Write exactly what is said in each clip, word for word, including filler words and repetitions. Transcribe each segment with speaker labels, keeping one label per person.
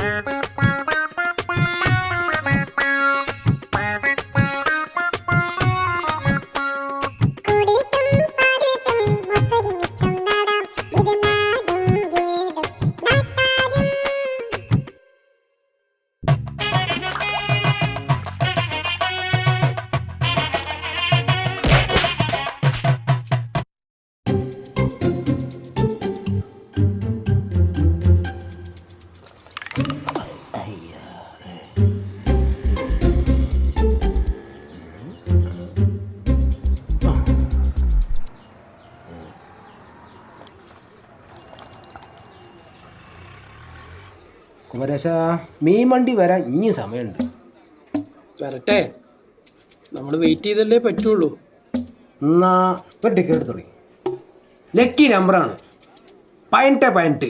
Speaker 1: കുമരേശ, മീൻ വണ്ടി വരാൻ ഇനി സമയമുണ്ട്.
Speaker 2: വരട്ടെ, നമ്മൾ വെയിറ്റ് ചെയ്തല്ലേ പറ്റുള്ളൂ.
Speaker 1: എന്നാ ഒരു ടിക്കറ്റ് എടുത്തോളി. ലക്കി നമ്പറാണ് പതിനെട്ട് പതിനെട്ട്.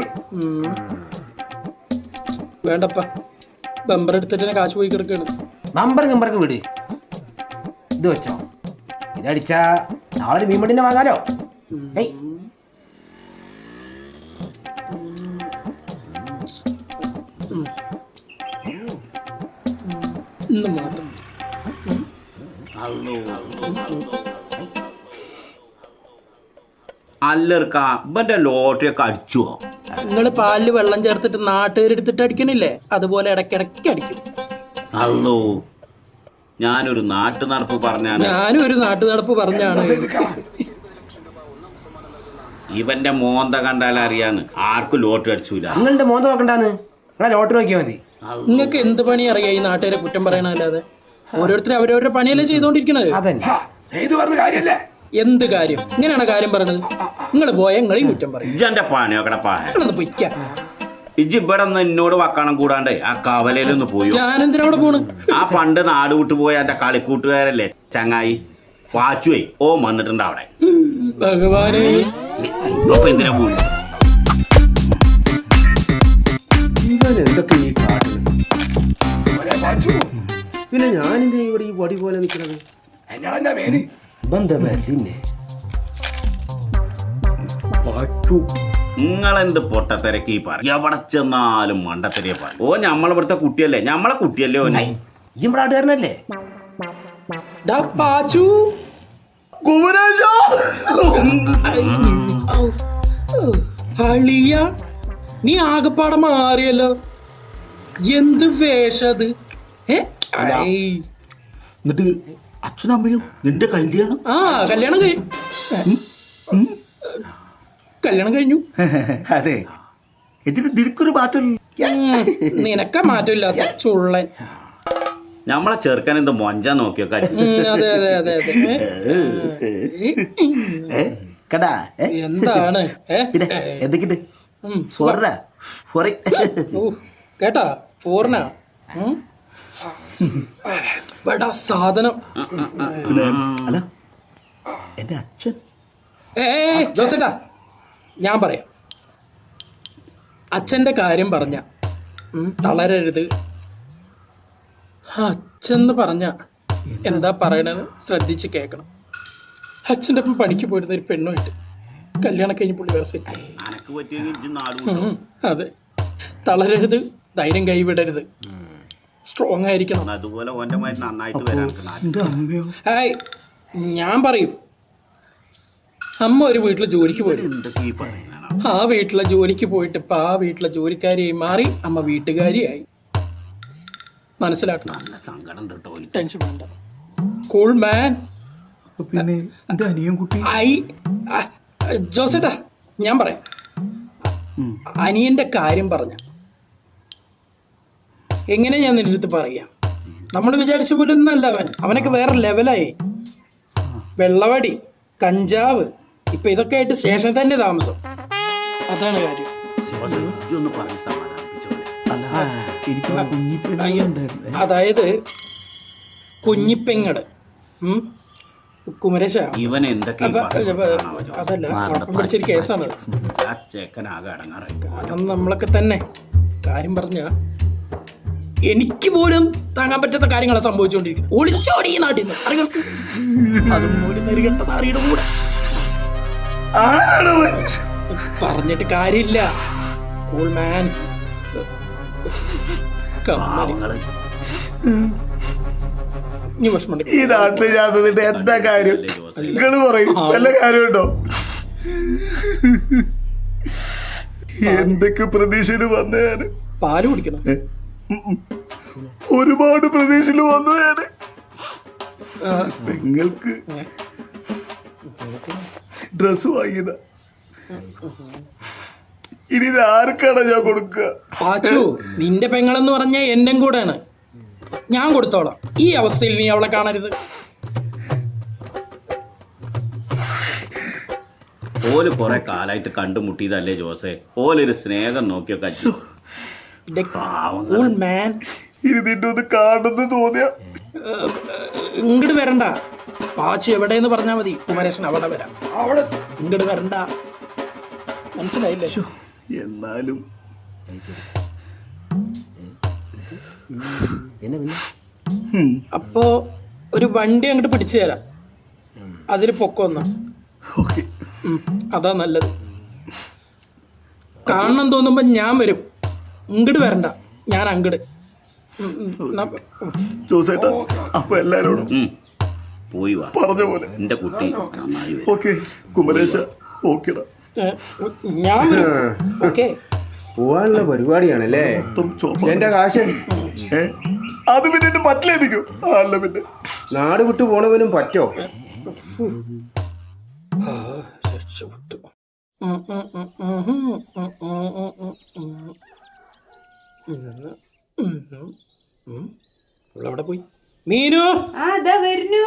Speaker 2: വേണ്ടപ്പ, ബമ്പർ എടുത്തിട്ട് തന്നെ കാശ് പോയി കിടക്കാണ്.
Speaker 1: നമ്പർ നമ്പർക്ക് വിട്. ഇത് വെച്ചോ, ഇതടിച്ചാ നാളെ മീൻ വണ്ടിനെ വാങ്ങാലോ. ഏയ്
Speaker 2: ഇന്ന് മാത്രം
Speaker 3: അല്ലർക്ക ഇവന്റെ ലോട്ടറി ഒക്കെ അടിച്ചോ?
Speaker 2: നിങ്ങൾ പാലില് വെള്ളം ചേർത്തിട്ട് നാട്ടുകാരെടുത്തിട്ട് അടിക്കണില്ലേ, അതുപോലെ ഇടയ്ക്കിടയ്ക്ക് അടിക്കും.
Speaker 3: അല്ലോ, ഞാനൊരു നാട്ടു നടപ്പ് പറഞ്ഞാണ്.
Speaker 2: ഞാനും ഒരു നാട്ടു നടപ്പ് പറഞ്ഞാണ്.
Speaker 3: ഇവന്റെ മോന്ത കണ്ടാൽ അറിയാന്ന് ആർക്കും ലോട്ടറി അടിച്ചൂല.
Speaker 1: നിങ്ങളുടെ മോന്ത നോക്കണ്ടാന്ന്, നിങ്ങളെ ലോട്ടറി നോക്കിയാൽ മതി.
Speaker 2: നിങ്ങൾക്ക് എന്ത് പണി അറിയാം ഈ നാട്ടുകാരെ കുറ്റം പറയണല്ലാതെ? ഓരോരുത്തരും അവരവരുടെ പണിയല്ലേ ചെയ്തോണ്ടിരിക്കണത്. എന്ത് കാര്യം? ഇങ്ങനെയാണ് കാര്യം പറയണത്. നിങ്ങൾ പോയ നിങ്ങളെയും കുറ്റം പറയും.
Speaker 3: ഇജ്ജന്റെ പണിയൊക്കെ
Speaker 2: നിങ്ങളൊന്ന് പൊയ്ക്ക.
Speaker 3: ഇജ്ജ് ഇവിടെ ഒന്ന് എന്നോട് വക്കണം കൂടാണ്ട് ആ കവലയിലൊന്ന് പോയോ?
Speaker 2: ഞാനെന്തിനാ അവിടെ പോണ്? ആ
Speaker 3: പണ്ട് നാട് വിട്ടു പോയ എന്റെ കളിക്കൂട്ടുകാരല്ലേ ചങ്ങായി വാച്ചുവേ ഓ വന്നിട്ടുണ്ട് അവിടെ.
Speaker 2: ഭഗവാനെ,
Speaker 3: എന്തിനാ പോയി?
Speaker 1: എന്തൊക്കെ ഈ കാട്ടുന്നത്? പിന്നെ ഞാനെന്താ ഇവിടെ ഈ വടി പോലെ നിൽക്കുന്നത്?
Speaker 3: നിങ്ങളെന്ത് പൊട്ടത്തിരക്ക് ഈ പറ, എവിടെ ചെന്നാലും മണ്ടത്തിരയെ പറ. ഓ ഞമ്മളിവിടുത്തെ കുട്ടിയല്ലേ, ഞമ്മളെ കുട്ടിയല്ലേ ഓനെ.
Speaker 1: ഈ നാട്ടുകാരനല്ലേ?
Speaker 2: നീ ആകെപ്പാടെ മാറിയല്ലോ. എന്ത് വേഷത്?
Speaker 3: എന്നിട്ട് അച്ഛനമ്മയും നിന്റെ കല്യാണം?
Speaker 2: ആ കല്യാണം കഴിഞ്ഞു. കല്യാണം കഴിഞ്ഞു.
Speaker 3: അതെ, എന്നിട്ട് നിനക്കൊരു മാറ്റം?
Speaker 2: നിനക്ക മാറ്റമില്ലാത്ത ചുള്ളൻ.
Speaker 3: നമ്മളെ ചെറുക്കൻ എന്ത് മൊഞ്ച നോക്കിയൊക്കെ.
Speaker 2: അതെ അതെ അതെ അതെ. എന്താണ്
Speaker 3: എന്തൊക്കെയുണ്ട്
Speaker 2: കേട്ടാ? ഫോറിനാ സാധനം.
Speaker 3: അല്ല എന്റെ അച്ഛൻ.
Speaker 2: ഏ ജോസേട്ടാ, ഞാൻ പറയാം. അച്ഛൻ്റെ കാര്യം പറഞ്ഞ തളരരുത്. അച്ഛന്ന് പറഞ്ഞ എന്താ പറയണത് ശ്രദ്ധിച്ച് കേൾക്കണം. അച്ഛൻ്റെ ഒപ്പം പണിക്ക് പോയിരുന്ന ഒരു പെണ്ണുമായിട്ട് കല്യാണം കഴിഞ്ഞ് പുള്ളി വേറെ സെറ്റ്. അതെ, തളരരുത്, ധൈര്യം കൈവിടരുത്, സ്ട്രോങ് ആയിരിക്കണം. ഹായ്, ഞാൻ പറയും. അമ്മ ഒരു വീട്ടിൽ ജോലിക്ക് പോയിട്ട് ആ വീട്ടിലെ ജോലിക്ക് പോയിട്ട് ഇപ്പൊ ആ വീട്ടിലെ ജോലിക്കാരിയായി മാറി അമ്മ വീട്ടുകാരിയായി. മനസ്സിലാക്കണം. ടെൻഷൻ വേണ്ട. Cool man. ജോസേട്ടാ, ഞാൻ പറയാം. അനിയന്റെ കാര്യം പറഞ്ഞ എങ്ങനെ ഞാൻ നിന്റെ അടുത്ത് പറയാം? നമ്മൾ വിചാരിച്ച പോലെ ഒന്നും അല്ല അവൻ. അവനൊക്കെ വേറെ ലെവലായി. വെള്ളവടി, കഞ്ചാവ്, ഇപ്പൊ ഇതൊക്കെ ആയിട്ട് സ്റ്റേഷനിൽ തന്നെ താമസം. അതാണ് കാര്യം. അതായത് കുഞ്ഞിപ്പെങ്ങട് കുമരേശ, അതല്ല കുഴപ്പം പിടിച്ചൊരു കേസാണ്. കാരണം നമ്മളൊക്കെ തന്നെ കാര്യം പറഞ്ഞ എനിക്ക് പോലും താങ്ങാൻ പറ്റാത്ത കാര്യങ്ങളാണ് സംഭവിച്ചുകൊണ്ടിരിക്കുന്നത്. ഒളിച്ചോടി ഈ നാട്ടിൽ നിന്ന് അറികൾക്ക് അതും ഒരു നെരുകെട്ട നാറിയുടെ കൂടെ പറഞ്ഞിട്ട് കാര്യമില്ല. Cool man. കമ്മല്
Speaker 3: പാവങ്ങള്.
Speaker 2: ഇനി വിഷമം
Speaker 4: ഈ നാട്ടിൽ ഞാൻ നിന്നിട്ട് എന്താ കാര്യം?
Speaker 3: അല്ലേ ജോസേ?
Speaker 4: നിങ്ങള് പറയും വല്ല കാര്യമുണ്ടോ? എന്തൊക്കെ പ്രതീക്ഷയില് വന്ന ഞാന്,
Speaker 2: പാല് കുടിക്കണം.
Speaker 4: ഒരുപാട് പ്രതീക്ഷയില് വന്നു ഞാന്. നിങ്ങൾക്ക് ഡ്രസ് വാങ്ങിയതാ, ഇനി ഇത് ആർക്കാണ് ഞാൻ കൊടുക്കുക?
Speaker 2: പാച്ചു, നിന്റെ പെങ്ങളെന്ന് പറഞ്ഞ എന്റെ കൂടെയാണ്, ഞാൻ കൊടുത്തോളാം. ഈ അവസ്ഥയിൽ നീ അവളെ കാണരുത്.
Speaker 3: ഓല് കൊറേ കാലായിട്ട് കണ്ടുമുട്ടിയതല്ലേ ജോസേ? ഓലൊരു സ്നേഹം നോക്കിയൊക്കെ അച്ഛൻ.
Speaker 2: കൂൾ മാൻ,
Speaker 4: ഇനി നിന്നെ ഒന്ന് കാണുന്നു തോന്നിയ
Speaker 2: ഇങ്ങോട്ട് വരണ്ട. പാച്ചു എവിടെയെന്ന് പറഞ്ഞാൽ മതി, കുമരേശൻ അവിടെ വരാം. അവിടെ ഇങ്ങോട്ട് വരണ്ട, മനസ്സിലായില്ലേ?
Speaker 4: എന്നാലും
Speaker 1: പിന്നെ പിന്നെ
Speaker 2: അപ്പോ ഒരു വണ്ടി അങ്ങോട്ട് പിടിച്ചു തരാം, അതിൽ പൊക്കൊന്ന.
Speaker 4: ഓക്കെ,
Speaker 2: അതാ നല്ലത്. കാണണം തോന്നുമ്പോ ഞാൻ വരും, ഇങ്ങോട്ട് വരണ്ട, ഞാൻ അങ്ങട്.
Speaker 4: ജോസേട്ടാ, അപ്പൊ എല്ലാരോടും
Speaker 3: ഉം. പോയി വാ,
Speaker 4: പറഞ്ഞ പോലെ.
Speaker 3: എന്റെ കുട്ടി നന്നായി വരും.
Speaker 4: ഓക്കെ കുമരേശ, ഓക്കെടാ.
Speaker 2: ഞാൻ വരും. ഓക്കെ,
Speaker 1: പോവാനുള്ള പരിപാടിയാണല്ലേ? എന്റെ കാശ്
Speaker 4: ഏ? അത് പിന്നെ എന്റെ പറ്റിലേക്കും. അല്ല പിന്നെ
Speaker 1: നാട് വിട്ടു പോണവനും പറ്റോ?
Speaker 2: രക്ഷപ്പെട്ടു. ഉം, ഉം, ഉം, ഉം, ഉം, ഉം, ഉം, ഉം, ഉം, ഉം. ഉം, ഉം, ഉം. ഇവളെവിടെ പോയി? മീനു,
Speaker 5: ആ ദാ വരുന്നു.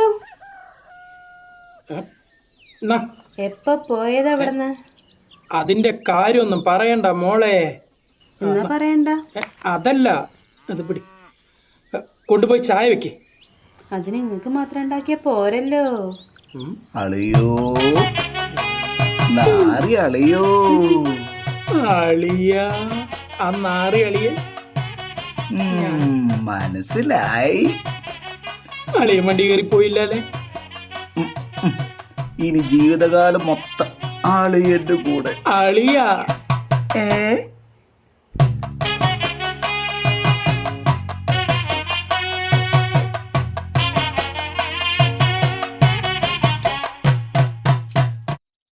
Speaker 2: ഏ? എന്നാ,
Speaker 5: എപ്പ പോയത് അവിടുന്ന്?
Speaker 2: അതിന്റെ കാര്യമൊന്നും പറയണ്ട മോളെ.
Speaker 5: എന്നാ പറയണ്ട.
Speaker 2: ഏ, അതല്ല, അത് പിടി. ഏ, കൊണ്ടുപോയി ചായ വെക്ക്.
Speaker 5: അതിന് നിങ്ങക്ക് മാത്രം ഉണ്ടാക്കിയ പോരല്ലോ.
Speaker 4: അളിയോ, നാറി അളിയോ.
Speaker 2: അളിയ, ആ നാറി അളിയ.
Speaker 4: ഉം, മനസ്സിലായി.
Speaker 2: അളിയ വണ്ടി കയറി പോയില്ലേ?
Speaker 4: ഇനി ജീവിതകാലം മൊത്തം ആളിയന്റെ കൂടെ.
Speaker 2: അളിയ,
Speaker 4: ഏ